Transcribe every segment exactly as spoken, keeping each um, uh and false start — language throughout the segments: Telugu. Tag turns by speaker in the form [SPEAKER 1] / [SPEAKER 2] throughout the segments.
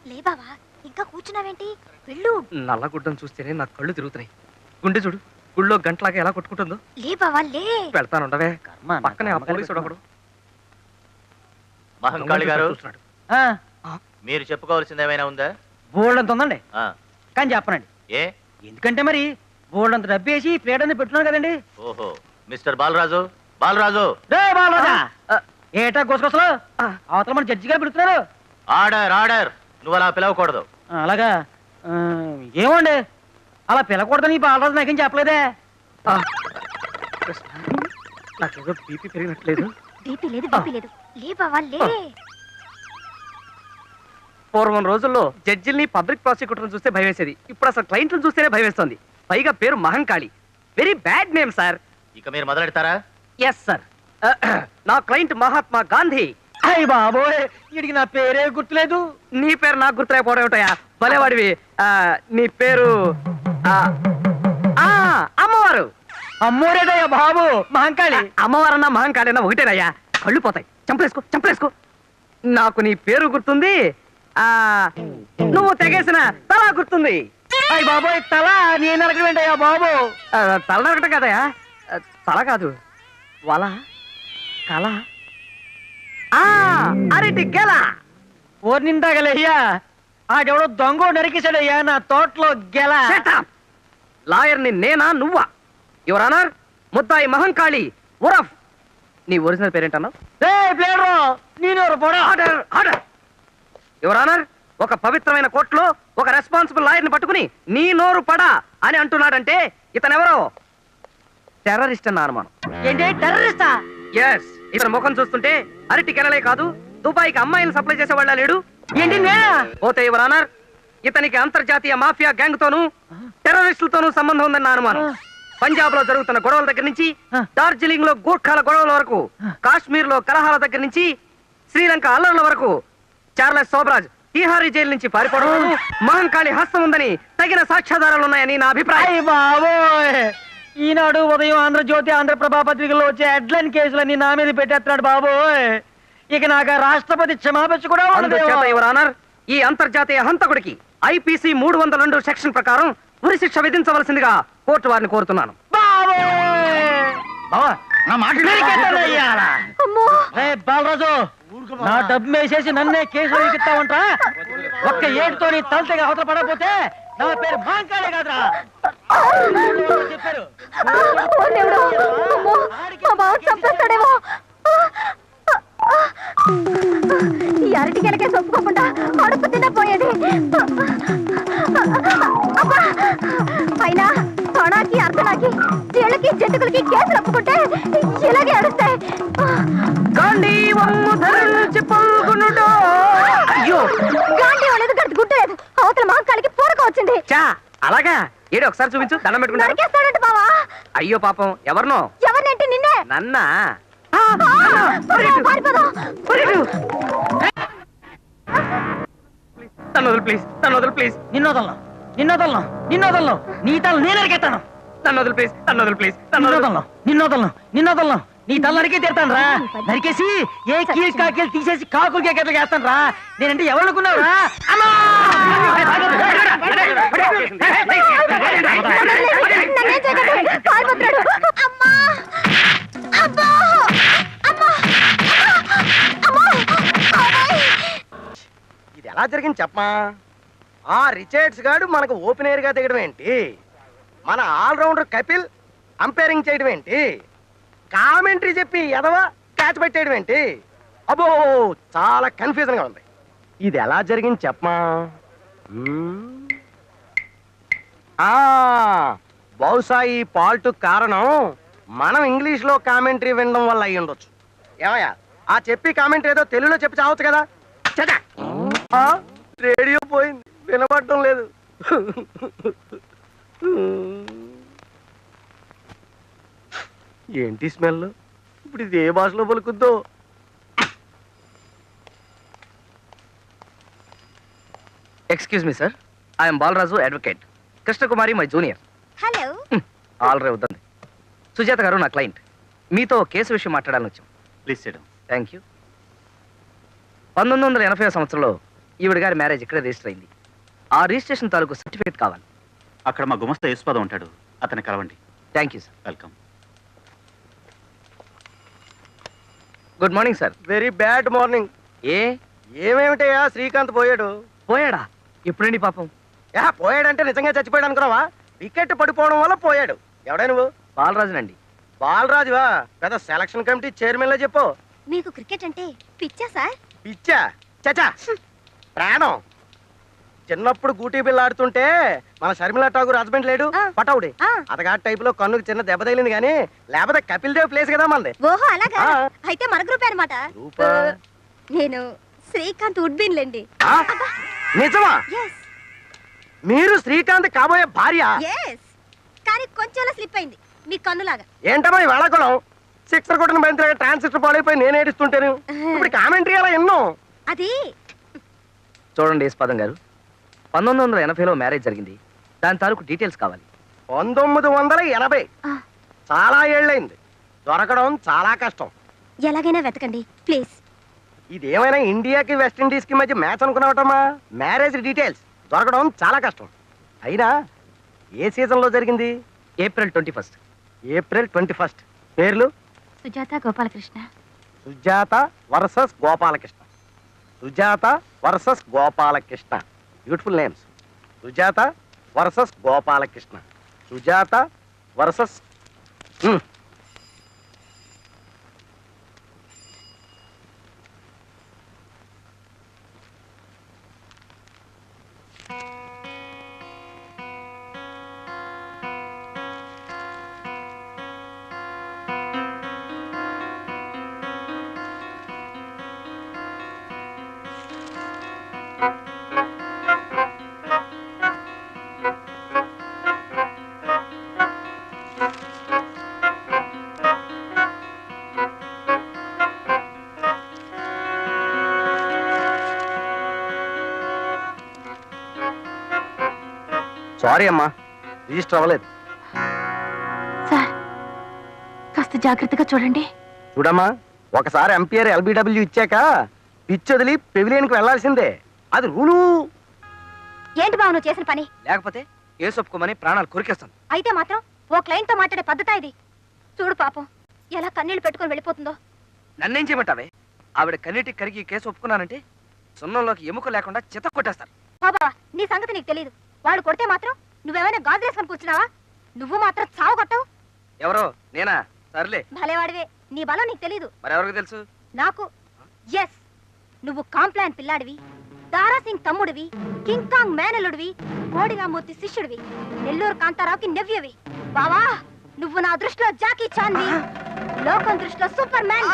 [SPEAKER 1] లే బావా, ఇంకా కూర్చున్నావేంటి? వెళ్ళు.
[SPEAKER 2] నల్లగుడ్డను చూస్తేనే నా కళ్ళు తిరుగుతున్నాయి. గుండె చూడు, గుళ్ళో గంటలాగా ఎలా కొట్టుకుంటుందో.
[SPEAKER 1] లే బావా లే.
[SPEAKER 2] పెడతానుండవే, పక్కనే ఆ పోలీసుడు ఒకడు.
[SPEAKER 3] మహంకాళి గారు, మీరు చెప్పుకోవాల్సింది ఏమైనా ఉందా?
[SPEAKER 4] బోల్డంత ఉందండి, కానీ చెప్పనండి.
[SPEAKER 3] ఏ?
[SPEAKER 4] ఎందుకంటే మరి బోల్డంత డబ్బు వేసి ప్లేట్ అనేది పెట్టున్నాను కదండి.
[SPEAKER 3] ఓహో, మిస్టర్ బాలరాజు, బాలరాజు.
[SPEAKER 4] రే బాలరాజా, ఏటా గుసగుసలు? అవతల మన జడ్జి గారు పిలుస్తున్నారు.
[SPEAKER 3] Order, order. నువ్వు అలా పిలవకూడదు.
[SPEAKER 4] అలాగా? ఏమండి, అలా పిలకూడదని బాలరాజు నాకేం చెప్పలేదే.
[SPEAKER 2] నాకేదో బీపీ పెరిగినట్లేదు.
[SPEAKER 1] బీపీ లేదు, బీపీ లేదు. లే బావా లే.
[SPEAKER 2] పూర్వం రోజుల్లో జడ్జిల్ని పబ్లిక్ ప్రాసిక్యూటర్ని చూస్తే భయం వేసేది. ఇప్పుడు అసలు క్లయింట్లను చూస్తేనే భయం వేస్తుంది. పైగా పేరు Mahankali. Very bad name sir.
[SPEAKER 3] ఇక మీరు మొదలెడతారా?
[SPEAKER 2] Yes sir. నా క్లయింట్ మహాత్మా గాంధీ.
[SPEAKER 4] అయ్య బాబోయ్, వీడికి నా పేరే గుర్తులేదు.
[SPEAKER 2] నీ పేరు నాకు గుర్తులేకపోవడం ఏమిటయా? భలేవాడివి. నీ పేరు అమ్మవారు.
[SPEAKER 4] అమ్మోరేదయ్యా బాబు, మహంకాళి.
[SPEAKER 2] అమ్మవారన్నా మహంకాళి అన్నా ఒకటేనయ్యా. కళ్ళు పోతాయి. చంపలేసుకో చంపలేసుకో. నాకు నీ పేరు గుర్తుంది, ఆ నువ్వు తెగేసిన తల గుర్తుంది.
[SPEAKER 4] అయ్య బాబోయ్, తల నేను నరకమేంటయ్యా బాబు?
[SPEAKER 2] తల నరకటం కాదయా, తల కాదు, వల కల అరటి గెల.
[SPEAKER 4] ఓర్ నిందాగలయ్యా, ఆడెవడో దొంగ నరికేశాడయ్యా నా తోటలో గెల.
[SPEAKER 2] లాయర్ని నేనా నువ్వా? యువర్ ఆనర్, ముద్దాయి మహంకాళి ఉరఫ్. నీ ఒరిజినల్ పేరేంటన్నావు? యువర్ ఆనర్, ఒక పవిత్రమైన కోర్టులో ఒక రెస్పాన్సిబుల్ లాయర్ని పట్టుకుని నీ నోరు పడా అని అంటున్నాడంటే ఇతనెవరో టెర్రరిస్ట్ అన్న అనుమానం.
[SPEAKER 4] ఏంటి టెర్రరిస్టా?
[SPEAKER 2] ఎస్. ఇతని ముఖం చూస్తుంటే అరటి కెనలే కాదు, దుబాయ్కి అమ్మాయిని సప్లై చేసేవాళ్ళ లేడు.
[SPEAKER 4] ఏంటి
[SPEAKER 2] పోతే యువర్ ఆనర్, ఇతనికి అంతర్జాతీయ మాఫియా గ్యాంగ్ తోనూ టెర్రరిస్టులతోనూ సంబంధం ఉందన్న అనుమానం. పంజాబ్ లో జరుగుతున్న గొడవల దగ్గర నుంచి డార్జిలింగ్ లో గూర్ఖాల గొడవల వరకు, కాశ్మీర్ లో కలహాల దగ్గర నుంచి శ్రీలంక అల్లర్ల వరకు, చార్లెస్ సోబ్రాజ్ తీహారీ జైలు నుంచి పారిపోవడం మహంకాళి హస్తం ఉందని తగిన సాక్ష్యాధారాలు ఉన్నాయని నా అభిప్రాయం.
[SPEAKER 4] బాబోయ్, ఈనాడు ఉదయం ఆంధ్రజ్యోతి, ఆంధ్రప్రభ పత్రికల్లో వచ్చే హెడ్లైన్ కేసులన్నీ నా మీద పెట్టేస్తున్నాడు బాబోయ్. ఇక నాకు రాష్ట్రపతి క్షమాపణ కూడా ఉండదు.
[SPEAKER 2] యువర్ ఆనర్, ఈ అంతర్జాతీయ హంతకుడికి ఐపీసీ మూడు వందల రెండు సెక్షన్ ప్రకారం ఉరి శిక్ష విధించవలసిందిగా కోర్టు వారిని కోరుతున్నాను.
[SPEAKER 4] బాలరాజు, నా డబ్బు వేసేసి నన్నే కేసులో ఎక్కిస్తావంటా? ఒక్క ఏడుతో నీ తలతగా అవతల పడకపోతే నా పేరు మహంకాళి కాదురా చెప్పారు.
[SPEAKER 1] ఈ అరటి గెలకే ఒప్పుకోకుండా అడుపు తినపోయేది. అయినా తొణాకి అర్ధనాకి చీళ్ళకి జంతుకులకి కేసులు ఒప్పుకుంటే ఇలాగే అడుస్తాయి.
[SPEAKER 2] అయ్యో,
[SPEAKER 1] గాంధీ అనేది గట్టి గుట్టలేదు. అవతల మహంకాళికి పూరక వచ్చింది.
[SPEAKER 2] అలాగా? ఏడు ఒకసారి చూపించు, దండం పెట్టుకుంటాడు. బావా అయ్యో పాపం, ఎవరినో?
[SPEAKER 1] ఎవరినంటే నిన్నే.
[SPEAKER 2] నన్నా? తనొదలు ప్లీజ్, తనొదలు ప్లీజ్.
[SPEAKER 4] నిన్నోదలను నిన్నోదలను నిన్నోదలను నీ తల నేను నరికేస్తాను.
[SPEAKER 2] తనొదలు ప్లీజ్, తనొదలు ప్లీజ్.
[SPEAKER 4] నిన్నోదలను నిన్నోదలను నిన్నోదలను నీ తల నరికే తీరుతాను రా. నరికేసి ఏ కీల్ కాకీలు తీసేసి కాకులకి ఎక్కట్లు వేస్తాను రా. నేనంటే ఎవరనుకున్నావు రా?
[SPEAKER 5] ఇది ఎలా జరిగింది చెప్పమా? ఆ రిచర్డ్స్ గాడు మనకు ఓపెనర్ గా దిగడం ఏంటి? మన ఆల్రౌండర్ కపిల్ అంపైరింగ్ చేయడం ఏంటి? కామెంటరీ చెప్పి ఎదవా క్యాచ్ పెట్టేయడం ఏంటి? అబ్బో, చాలా కన్ఫ్యూజన్ గా ఉంది. ఇది ఎలా జరిగింది చెప్పమా? బహుశా ఈ పాల్ట్ కారణం మనం ఇంగ్లీష్ లో కామెంటరీ వినడం వల్ల అయ్యి ఉండొచ్చు. ఏమయ్యా, ఆ చెప్పి కామెంటరీ ఏదో తెలుగులో చెప్పి చావచ్చు కదా. రేడియో పోయింది, వినపడటం లేదు. ఏంటి స్మెల్? ఇప్పుడు ఇది ఏ భాషలో పలుకుద్దో?
[SPEAKER 2] Excuse me sir, I'm Balaraju, advocate. Krishnakumari my junior.
[SPEAKER 1] Hello.
[SPEAKER 2] All రే వద్దండి. సుజాత గారు నా క్లయింట్, మీతో కేసు విషయం మాట్లాడాలని వచ్చాం.
[SPEAKER 3] Please sit down.
[SPEAKER 2] Thank you. పంతొమ్మిది వందల ఎనభై సంవత్సరంలో ఈవిడ గారి మ్యారేజ్ ఇక్కడ రిజిస్టర్ అయింది. ఆ రిజిస్ట్రేషన్ తాలూకు సర్టిఫికేట్ కావాలి.
[SPEAKER 6] అక్కడ మా గుమస్తా యేసుపాదం ఉంటాడు, అతన్ని కలవండి.
[SPEAKER 2] Thank you sir.
[SPEAKER 6] Welcome.
[SPEAKER 2] Good morning sir.
[SPEAKER 5] Very bad morning.
[SPEAKER 2] ఏ
[SPEAKER 5] ఏమేమిటయ్యా శ్రీకాంత్ పోయాడు?
[SPEAKER 2] పోయాడా? ఎప్పుడండి పాపం?
[SPEAKER 5] యా పోయాడంటే నిజంగా చచ్చిపోయాడు అనుకున్నావా? వికెట్ పడిపోవడం వల్ల పోయాడు. ఎవడా నువ్వు?
[SPEAKER 2] బాలరాజునండి.
[SPEAKER 5] బాలరాజువా? పెద్ద సెలక్షన్ కమిటీ చైర్మన్ లో చెప్పు.
[SPEAKER 1] మీకు క్రికెట్ అంటే పిచ్చా సార్?
[SPEAKER 5] పిచ్చా చచా ప్రాణం. చిన్నప్పుడు గూటీ బిల్ల ఆడుతుంటే మన షర్మిలా ఠాగూర్ హస్బెండ్ లేడు
[SPEAKER 1] ఆ.
[SPEAKER 5] పటౌడి,
[SPEAKER 1] ఆ.
[SPEAKER 5] అతగాడి టైప్ లో కన్నుకు చిన్న దెబ్బ తగిలింది కానీ లేకపోతే కపిల్ దేవ్ ప్లేస్ కదా మనది.
[SPEAKER 1] ఓహో అలాగా?
[SPEAKER 5] ఆ.
[SPEAKER 1] అయితే మన గ్రూప్ అనమాట.
[SPEAKER 5] గ్రూపా?
[SPEAKER 1] నేను శ్రీకాంత్ ఉడ్బీన్ లేండి.
[SPEAKER 5] ఆ? నిజమా?
[SPEAKER 1] ఎస్
[SPEAKER 5] మీరు శ్రీకాంత్ కాబోయే భార్య?
[SPEAKER 1] ఎస్ కానీ కొంచెం స్లిప్ అయింది మీ కన్నులాగా.
[SPEAKER 5] ఏంటమ్మా ఈ వేళాకుళం? సిక్సర్ కొట్టిన బంతి ట్రాన్సిస్టర్ పాడైపోయి నేను ఏడుస్తుంటాను. ఇప్పుడు కామెంటరీ అలా ఎన్నో.
[SPEAKER 1] అది
[SPEAKER 2] చూడండి యశ్పాదం గారు, పంతొమ్మిది వందల ఎనభైలో మ్యారేజ్ జరిగింది. దాని తాలూకు డీటెయిల్స్ కావాలి.
[SPEAKER 5] పంతొమ్మిది వందల ఎనభై
[SPEAKER 1] ఆ,
[SPEAKER 5] చాలా ఏళ్ళైంది. దొరకడం చాలా కష్టం.
[SPEAKER 1] ఎలాగైనా వెతకండి ప్లీజ్.
[SPEAKER 5] ఇదేమైనా ఇండియాకి వెస్టిండీస్ కి మధ్య మ్యాచ్ అనుకున్నావటమ్మా? మ్యారేజ్ డీటెయిల్స్ దొరకడం చాలా కష్టం. అయినా ఏ సీజన్ లో జరిగింది?
[SPEAKER 2] April twenty first.
[SPEAKER 5] April twenty first. పేర్లు?
[SPEAKER 1] Sujatha Gopalakrishna.
[SPEAKER 5] Sujatha versus Gopalakrishna. Sujatha versus Gopalakrishna. Beautiful names. Sujatha versus Gopalakrishna. Sujatha versus sorry అమ్మా, రిజిస్టర్ అవ్వలేదు.
[SPEAKER 1] సార్ కాస్త జాగ్రత్తగా చూడండి.
[SPEAKER 5] చూడమ్మా, ఒకసారి ఎంపీఆర్ ఎల్బిడబ్ల్యూ ఇచ్చాక పిచ్ వదిలి పెవిలియన్కి వెళ్లాల్సిందే. అది రూలు.
[SPEAKER 1] ఏంటి బావ నువ్వు చేసిన పని?
[SPEAKER 2] లేకపోతే కేసు ఒప్పుకోమని ప్రాణాలు కొరికేస్తాను.
[SPEAKER 1] అయితే మాత్రం ఓ క్లయింట్ తో మాట్లాడే పద్ధత ఇది? చూడు పాపం ఎలా కన్నీళ్లు పెట్టుకొని వెళ్ళిపోతుందో.
[SPEAKER 2] నన్నేం చేయమంటావే? ఆవిడ కన్నీటికి కరిగి ఈ కేసు ఒప్పుకున్నానంటే సున్నంలోకి ఎముక లేకుండా చిత్త కొట్టేస్తారు.
[SPEAKER 1] బాబా నీ సంగతి నీకు తెలియదు. వాడు కొడితే మాత్రం నువ్వేమైనా గాజు వేసుకొని కూర్చున్నావా? నువ్వు మాత్రం చావు కొట్టవు.
[SPEAKER 2] ఎవరో నేనా? సర్లే,
[SPEAKER 1] భలేవాడివే. నీ బలం నీకు తెలీదు,
[SPEAKER 2] మరెవరికి తెలుసు?
[SPEAKER 1] నాకు. ఎస్ నువ్వు కాంప్లాన్ పిల్లాడివి, దారాసింగ్ తమ్ముడివి, కింగ్ కాంగ్ మేనలుడివి, కోడిగామూర్తి శిష్యుడివి, నెల్లూరు కాంతారావుకి నెవ్యవి. బావా నువ్వు నా దృష్టిలో జాకీ చాన్వి, లోకం దృష్టిలో సూపర్ మ్యాన్.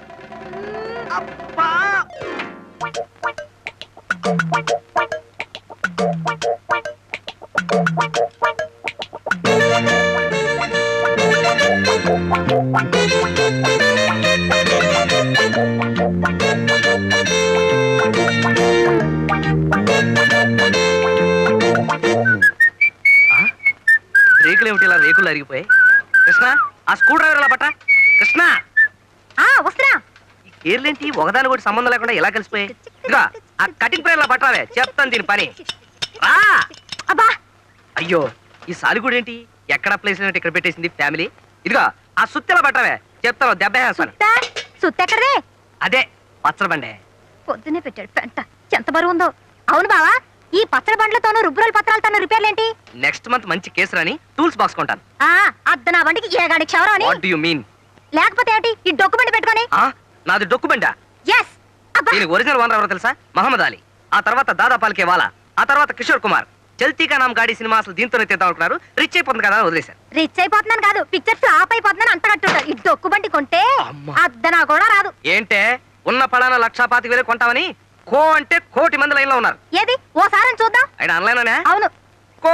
[SPEAKER 2] రేకులు ఏమిటి ఇలా రేకులు అరిగిపోయి? కృష్ణ, ఆ స్క్రూ డ్రైవర్ ఇలా పట్ట. కృష్ణ,
[SPEAKER 1] ఆ వస్తున్నా.
[SPEAKER 2] ఈ కేర్లేంటి ఒకదాని కూడా సంబంధం లేకుండా ఎలా కలిసిపోయి? ఇదిగా ఆ కటింగ్ ప్రేర్ ఇలా పట్టావే, చెప్తాను దీని పని. రా.
[SPEAKER 1] అబ్బా
[SPEAKER 2] అయ్యో, ఈ సాలిగూడు ఏంటి ఎక్కడ ప్లేస్ లేనట్టు ఇక్కడ పెట్టేసింది ఫ్యామిలీ. ఇదిగా ఆ సుత్తెలా పట్టావే, చెప్తాను దెబ్బ వేస్తాను.
[SPEAKER 1] సుత్తా సుత్తెక్కడదే?
[SPEAKER 2] అదే పచ్చడి బండే.
[SPEAKER 1] పొద్దునే పెట్టాడు పెంట, ఎంత బరువు ఉందో. అవును బావా, ఈ పచ్చడి బండ్లతోనూ రుబ్బురోల పత్రాలతోనూ రిపేర్లేంటి?
[SPEAKER 2] నెక్స్ట్ మంత్ మంచి కేసు రాని టూల్స్ బాక్స్ కొంటాను.
[SPEAKER 1] ఆ అద్ద నా బండికి ఏగాడి క్షవరం అని.
[SPEAKER 2] What do you mean?
[SPEAKER 1] లేకపోతే ఏంటి ఈ డొక్కు బండి పెట్టుకొని?
[SPEAKER 2] ఆ నాది డొక్కు బండా.
[SPEAKER 1] ఎస్ అబ్బా
[SPEAKER 2] దీనికి ఒరిజినల్ ఓనర్ ఎవరో తెలుసా? మహమ్మద్ అలీ. ఆ తర్వాత దాదా పాల్కే వాలా, ఆ తర్వాత కిషోర్ కుమార్. చల్తీకా నామ్ గాడి సినిమా అసలు దీంతోనే తీద్దాం అనుకున్నారు. రిచ్ అయిపోతుంది కదా అని వదిలేశారు.
[SPEAKER 1] రిచ్ అయిపోతున్నాను కాదు, పిక్చర్ ఫ్లాప్ అయిపోతున్నాను అంత కట్టుంటారు. ఈ డొక్కు బండి కొంటే
[SPEAKER 2] అమ్మా.
[SPEAKER 1] అద్దనా కూడా రాదు.
[SPEAKER 2] ఏంటే ఉన్న పడాన లక్షా పాతిక వేలు కొంటామని కో అంటే కోటి మంది లైన్ లో ఉన్నారు.
[SPEAKER 1] ఏది ఓసారి చూద్దాం.
[SPEAKER 2] ఆయన ఆన్లైన్
[SPEAKER 1] అవును
[SPEAKER 2] కో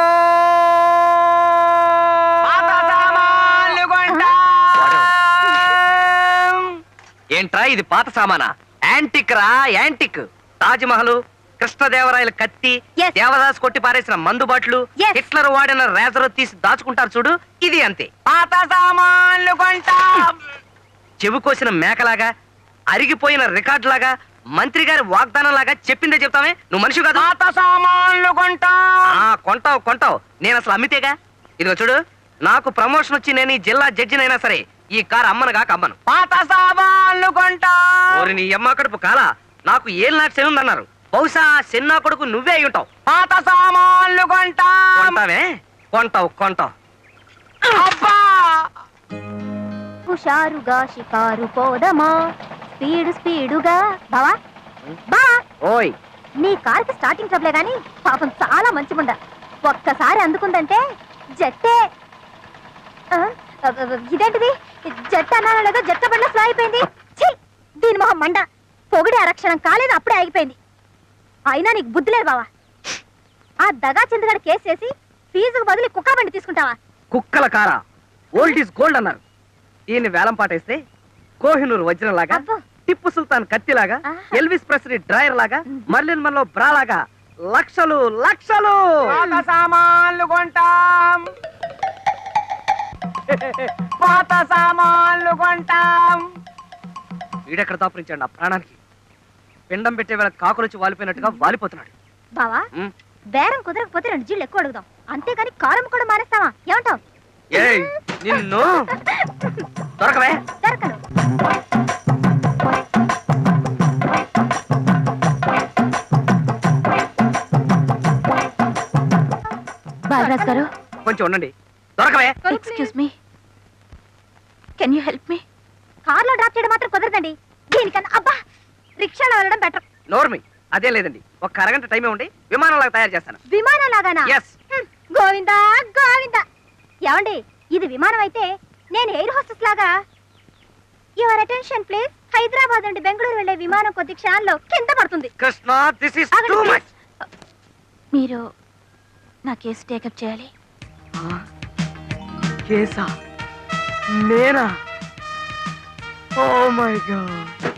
[SPEAKER 2] ఏంట్రా ఇది పాత సామానా? యాంటిక్ రా యాంటిక్. తాజ్ మహల్, కృష్ణదేవరాయల కత్తి,
[SPEAKER 1] Yes.
[SPEAKER 2] దేవదాస్ కొట్టి పారేసిన మందు బాట్లు,
[SPEAKER 1] Yes.
[SPEAKER 2] హిట్లర్ వాడిన రేజర్ తీసి దాచుకుంటారు చూడు, ఇది అంతే. పాత సామాన్లు కొంటా. చెవి కోసిన మేకలాగా, అరిగిపోయిన రికార్డ్ లాగా మంత్రి గారి వాగ్దానం లాగా చెప్పిందే చెప్తామే. నువ్వు మనిషి కాదు.
[SPEAKER 5] పాత సామాన్లు కొంటా.
[SPEAKER 2] ఆ, కొంటావు కొంటావు. నేను అసలు అమ్మితేగా. ఇదిగో చూడు, నాకు ప్రమోషన్ వచ్చి నేను ఈ జిల్లా జడ్జినైనా సరే ఈ కారు అమ్మను కాక అమ్మను.
[SPEAKER 5] పాత సామాన్లు కొంటా.
[SPEAKER 2] ఓరి నీ అమ్మ కడుపు కాల, నాకు ఏం నాటి శని ఉందన్నారు. బహుశా చిన్న కొడుకు నువ్వే అయి ఉంటావు.
[SPEAKER 5] పాత సామాన్లు కొంటా.
[SPEAKER 2] కొంటావే? కొంటావు కొంటావు.
[SPEAKER 5] అబ్బా!
[SPEAKER 1] హుషారుగా షికారు పోదమా, స్పీడు స్పీడుగా. బావా బా,
[SPEAKER 2] ఓయ్,
[SPEAKER 1] నీ కార్కి స్టార్టింగ్ ట్రబులే గాని పాపం చాలా మంచిగుండ. ఒక్కసారి అందుకుందంటే జట్టే. ఆ, ఇదేంటిది? జట్టు అన్నానో లేదో జట్ట బండ స్లో అయిపోయింది. ఛీ, దీని మొహం మండ. పొగిడి అరక్షణం కాలేదు, అప్పుడే ఆగిపోయింది. అయినా నీకు బుద్ధి లేదు బావా. ఆ దగా చంద్రగాడు కేసు చేసి ఫీజుకు బదులు కుక్క బండి తీసుకుంటావా?
[SPEAKER 2] కుక్కల కారా, ఓల్డ్ ఈజ్ గోల్డ్ అన్నారు. ఈయన్ని వేలం పాటేస్తే కోహినూరు వజ్రం లాగా,
[SPEAKER 1] అబ్బో.
[SPEAKER 2] టిప్పు సుల్తాన్ కత్తిలాగా,
[SPEAKER 1] ఆహా.
[SPEAKER 2] ఎల్విస్ ప్రెస్లీ డ్రైయర్ లాగా, మర్లిన్ మన్లో బ్రా లాగా లక్షలు లక్షలు.
[SPEAKER 5] పాత సామాన్లు కొంటాం. పాత సామాన్లు కొంటాం.
[SPEAKER 2] వీడెక్కడ దాపురించాడు నా ప్రాణానికి. పిండం పెట్టే వేళ కాకులొచ్చి వాలిపోయినట్టుగా వాలిపోతున్నాడు.
[SPEAKER 1] బావా,
[SPEAKER 2] ఉమ్.
[SPEAKER 1] బేరం కుదరకపోతే రెండు జీళ్ళు ఎక్కువ అడుగుదాం, అంతేగాని కారం కూడా మానేస్తావా? ఏమంటావు?
[SPEAKER 2] ఏయ్, నిన్ను దొరకవే.
[SPEAKER 1] దొరకను. బాలరాజ్ గారు,
[SPEAKER 2] కొంచెం ఉండండి. దొరకవే.
[SPEAKER 1] Excuse me, can you help me? కార్లో డ్రాప్ చేయడం మాత్రం కుదరదండి. దీనికన్నా అబ్బా రిక్షాలో వెళ్ళడం బెటర్.
[SPEAKER 2] నోర్మి, అదే లేదండి. ఒక అరగంట టైమే ఉండి విమానంలాగా తయారు చేస్తాను.
[SPEAKER 1] విమానం లాగానా?
[SPEAKER 2] Yes.
[SPEAKER 1] హ్మ్, గోవిందా గోవిందా. ఏమండి, ఇది విమానం అయితే నేను ఎయిర్ హోస్టెస్ లాగా. Your attention please. హైదరాబాద్ నుండి బెంగళూరు వెళ్లే విమానం కొద్ది క్షణాల్లో కింద పడుతుంది.
[SPEAKER 2] Krishna, this is too much.
[SPEAKER 1] మీరు నా కేసు టేకప్ చేయాలి.
[SPEAKER 2] కేసా? నేనా? Oh my God.